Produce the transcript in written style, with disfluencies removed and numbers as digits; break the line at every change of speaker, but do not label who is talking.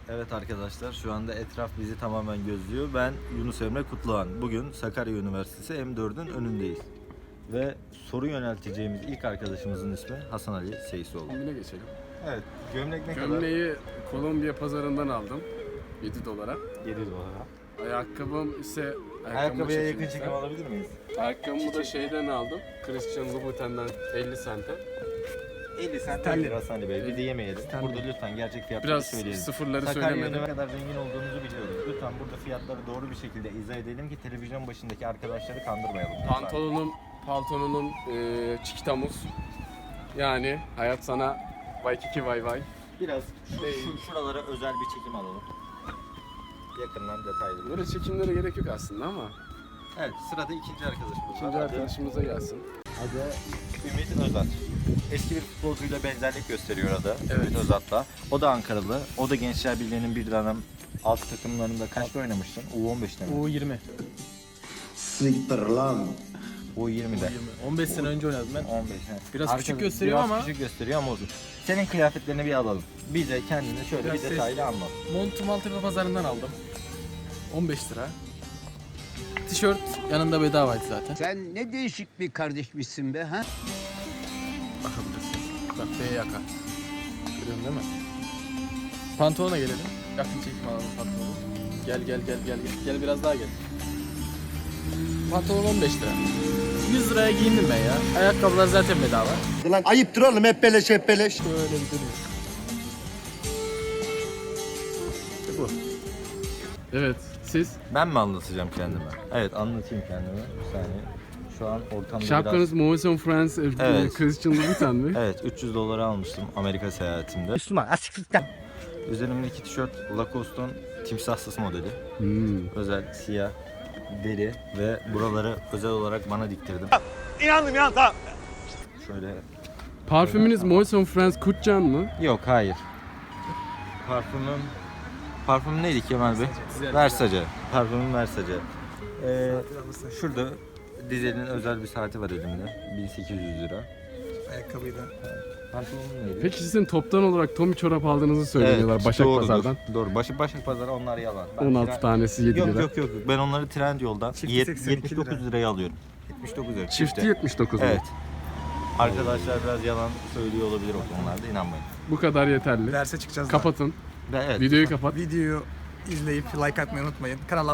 Evet arkadaşlar, şu anda etraf bizi tamamen gözlüyor. Ben Yunus Emre Kutluhan. Bugün Sakarya Üniversitesi M4'ün önündeyiz. Ve soru yönelteceğimiz ilk arkadaşımızın ismi Hasan Ali Seysoğlu.
Kombine geçelim.
Evet, gömlek ne
Gömleği Kolombiya pazarından aldım. 7 dolara.
kadar? 7 dolara.
Ayakkabım ise...
Ayakkabıya yakın çekim alabilir miyiz?
Ayakkabımı da şeyden aldım. Christian Louboutin'den 50 sente.
50 cent lira Hasan Ali Bey. Bir de yemeyelim. Burada lütfen gerçek fiyatları
Biraz
söyleyelim.
sıfırları
Sakarya'nın
söylemedim.
ne kadar zengin olduğunuzu biliyoruz. Lütfen burada fiyatları doğru bir şekilde izah edelim ki televizyon başındaki arkadaşları kandırmayalım. Lütfen.
Pantolonum Çikitamuz. Yani hayat sana Waikiki vay vay.
Biraz şuralara özel bir çekim alalım. Yakından detaylı.
Böyle çekimlere gerek yok aslında ama.
Evet, sırada ikinci arkadaşımız
İkinci
var.
arkadaşımıza gelsin.
Adı Ümit Özat. Eski bir futbolcuyla benzerlik gösteriyor adı.
Evet.
Ümit Özat'la. O da Ankaralı. O da Gençler Birliği'nin bir dönem alt takımlarında kaçta oynamıştın? U15'te mi?
U20.
U20'de.
15 sene önce oynadım ben.
15.
Biraz küçük gösteriyor ama-
Biraz küçük gösteriyor ama olsun. Senin kıyafetlerini bir alalım. Bize kendini şöyle
Biraz
bir detaylı anlat.
Montu Maltepe pazarından aldım. 15 lira. Tişört yanında bedavaydı zaten.
Sen ne değişik bir kardeşmişsin be ha?
Bakabilirsiniz. Bak B yaka. Görüyorsun değil mi? Pantolona gelelim. Yakın çekim alalım pantolonu. Gel. Gel biraz daha gel. Pantolon 15 lira. 100 liraya giyindim ben ya. Ayakkabılar zaten bedava.
Lan ayıptır oğlum, hep beleş hep beleş.
Şöyle bir dönüyor. İşte bu.
Evet, siz?
Ben mi anlatacağım kendime? Evet, anlatayım kendime. Bir saniye. Şu an ortamda
Şapkanız Moët en France
Evet.
Christian Louboutin mi?
Evet, 300 dolara almıştım Amerika seyahatimde.
Müslüman asiklikten.
Üzerimdeki tişört Lacoste'un timsahsız modeli. Özel siyah deri ve buraları özel olarak bana diktirdim.
İnandım tamam.
Şöyle.
Parfümünüz Moët en France Kutcan mı?
Yok, hayır. Parfümüm neydi Kemal Bey? Versace. Parfümüm Versace. Şurada Dizel'in özel bir saati var elimde. 1800 lira.
Ayakkabıyı da.
Pantolonum neydi?
Peki sizin toptan olarak Tommy çorap aldığınızı söylüyorlar
Evet,
Başak
doğrudur,
Pazar'dan.
Doğru. Başak Pazarı onlar yalan. Ben
16 tanesi 7
Yok
lira.
yok. Ben onları Trendyol'dan
Çifti
79 liraya alıyorum. 79 lira.
Çifti 79 mu?
Evet. Arkadaşlar biraz yalan söylüyor olabilir o konularda, inanmayın.
Bu kadar yeterli.
Derse çıkacağız.
Kapatın.
Evet.
Videoyu kapat.
Videoyu izleyip like atmayı unutmayın. Kanala